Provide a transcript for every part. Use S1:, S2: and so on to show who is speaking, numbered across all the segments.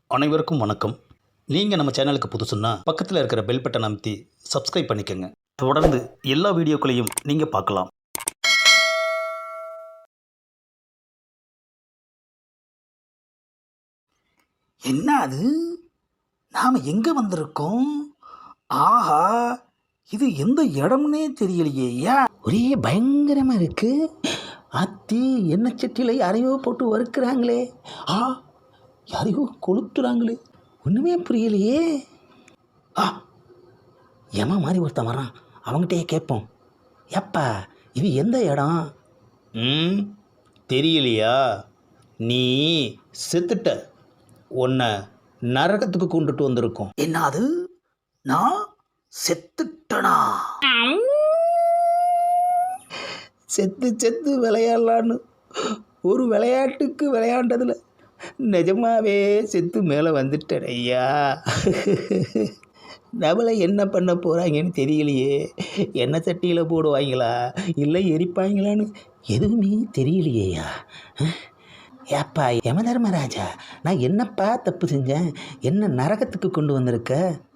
S1: அனைவருக்கும் வணக்கம். நீங்கள் நம்ம சேனலுக்கு புதுசுன்னா பக்கத்தில் இருக்கிற பெல் பட்டன் அமைத்தி சப்ஸ்கிரைப் பண்ணிக்கோங்க. தொடர்ந்து எல்லா வீடியோக்களையும் நீங்கள் பார்க்கலாம்.
S2: என்ன அது? நாம் எங்கே வந்திருக்கோம்? ஆஹா, இது எந்த இடம்னே தெரியலையே. ஒரே பயங்கரமாக இருக்கு. அத்தி எண்ணெய் சட்டியில் யாரையோ போட்டு வறுக்கிறாங்களே. யாரையோ கொளுத்துறாங்களே. ஒன்றுமே புரியலையே. ஏமா மாதிரி ஒருத்தன் வரான், அவங்ககிட்டயே கேட்போம். எப்பா இது எந்த இடம்?
S1: தெரியலையா? நீ செத்துட்ட. உன்னை நரகத்துக்கு கொண்டுட்டு வந்திருக்கோம்.
S2: என்னது? நான் செத்துட்டனா? செத்து செத்து விளையாடலான்னு ஒரு விளையாட்டுக்கு விளையாண்டதில் நிஜமாவே செத்து மேலே வந்துட்டேன் ஐயா. நம்மளை என்ன பண்ண போகிறாங்கன்னு தெரியலையே. எண்ணெய் சட்டியில் போடுவாங்களா இல்லை எரிப்பாங்களான்னு எதுவுமே தெரியலையேயா. ஏப்பா யமதர்மராஜா, நான் என்னப்பா தப்பு செஞ்சேன்? என்ன நரகத்துக்கு கொண்டு வந்திருக்க?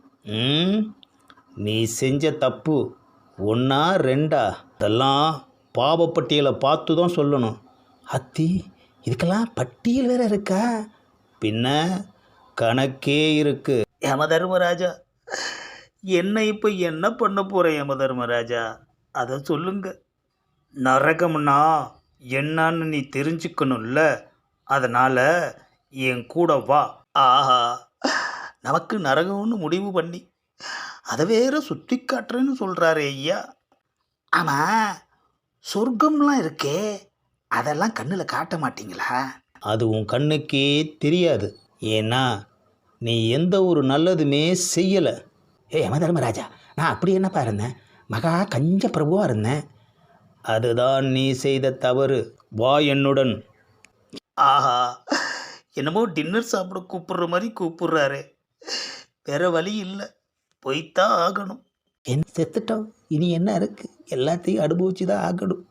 S1: நீ செஞ்ச தப்பு ஒன்றா ரெண்டா? அதெல்லாம் பாவப்பட்டியலை பார்த்து தான் சொல்லணும்.
S2: அத்தி, இதுக்கெல்லாம் பட்டியல் வேற இருக்கா?
S1: பின்ன கணக்கே இருக்கு.
S2: யமதர்மராஜா, என்ன இப்போ என்ன பண்ண போகிறேன் யமதர்மராஜா? அதை சொல்லுங்க.
S1: நரகம்னா என்னன்னு நீ தெரிஞ்சுக்கணும்ல, அதனால் என் கூட வா.
S2: ஆஹா, நமக்கு நரகம்னு முடிவு பண்ணி அதை வேற சுற்றி காட்டுறேன்னு சொல்கிறாரு ஐயா. ஆமாம், சொர்க்கம்லாம் இருக்கே, அதெல்லாம் கண்ணில் காட்ட மாட்டீங்களா?
S1: அது உன் கண்ணுக்கே தெரியாது. ஏன்னா நீ எந்த ஒரு நல்லதுமே செய்யலை.
S2: யமதர்மராஜா, நான் அப்படி என்னப்பா இருந்தேன்? மகா கஞ்ச பிரபுவாக இருந்தேன்.
S1: அதுதான் நீ செய்த தவறு. வா என்னுடன்.
S2: ஆஹா, என்னமோ டின்னர் சாப்பிட கூப்பிடுற மாதிரி கூப்பிடுறாரு. வேற வழி இல்லை, போய்த்தான் ஆகணும். என்ன செத்துட்டோம், இனி என்ன இருக்கு? எல்லாத்தையும் அனுபவிச்சு தான் ஆகணும்.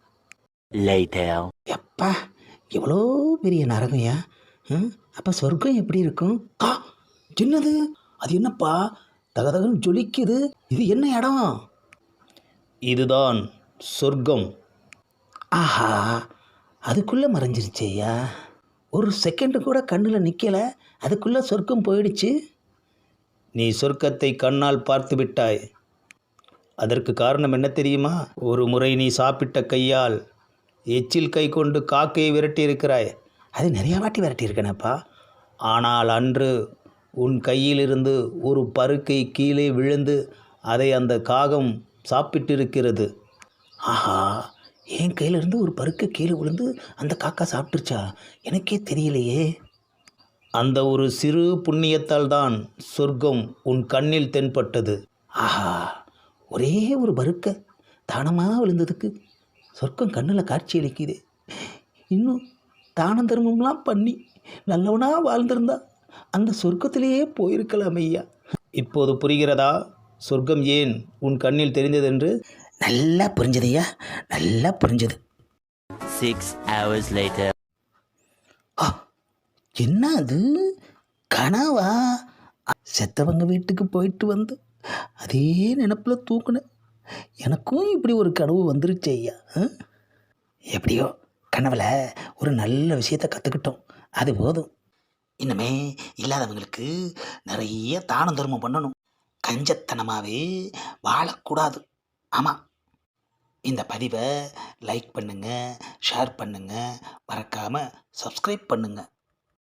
S2: எப்பா, எவ்வளோ பெரிய நரகம்யா. அப்போ சொர்க்கம் எப்படி இருக்கும்? என்னது? அது என்னப்பா தகதகன்னு ஜொலிக்குது? இது என்ன இடம்?
S1: இதுதான் சொர்க்கம்.
S2: ஆஹா, அதுக்குள்ளே மறைஞ்சிருச்சேயா. ஒரு செகண்டு கூட கண்ணில் நிற்கலை, அதுக்குள்ளே சொர்க்கம் போயிடுச்சு.
S1: நீ சொர்க்கத்தை கண்ணால் பார்த்து விட்டாய். அதற்கு காரணம் என்ன தெரியுமா? ஒரு முறை நீ சாப்பிட்ட கையால் எச்சில் கை கொண்டு காக்கையை விரட்டி இருக்கிறாய்.
S2: அது நிறையா வாட்டி விரட்டி இருக்கேனப்பா.
S1: ஆனால் அன்று உன் கையிலிருந்து ஒரு பருக்கை கீழே விழுந்து அதை அந்த காகம் சாப்பிட்டிருக்கிறது.
S2: ஆஹா, என் கையிலிருந்து ஒரு பருக்கை கீழே விழுந்து அந்த காக்கா சாப்பிட்டுருச்சா? எனக்கே தெரியலையே.
S1: அந்த ஒரு சிறு புண்ணியத்தால் தான் சொர்க்கம் உன் கண்ணில் தென்பட்டது.
S2: ஆஹா, ஒரே ஒரு பருக்கை தானமாக விழுந்ததுக்கு சொர்க்கம் கண்ணில் காட்சி அளிக்குது. இன்னும் தானம் தர்மம்லாம் பண்ணி நல்லவனாக வாழ்ந்திருந்தா அந்த சொர்க்கத்திலேயே போயிருக்கலாம் ஐயா.
S1: இப்போது புரிகிறதா சொர்க்கம் ஏன் உன் கண்ணில் தெரிந்ததென்று?
S2: நல்லா புரிஞ்சது ஐயா, நல்லா புரிஞ்சது.
S3: 6 hours later.
S2: என்ன அது? கனவா? செத்தவங்க வீட்டுக்கு போயிட்டு வந்து அதே நினப்பில் தூக்குனேன். எனக்கும் இப்படி ஒரு கனவு வந்துருச்சு ஐயா. எப்படியோ கனவில் ஒரு நல்ல விஷயத்தை கற்றுக்கிட்டோம், அது போதும். இன்னுமே இல்லாதவங்களுக்கு நிறைய தானம் தர்மம் பண்ணணும். கஞ்சத்தனமாகவே வாழக்கூடாது. ஆமாம், இந்த பதிவை லைக் பண்ணுங்கள், ஷேர் பண்ணுங்கள், மறக்காமல் சப்ஸ்கிரைப் பண்ணுங்கள்.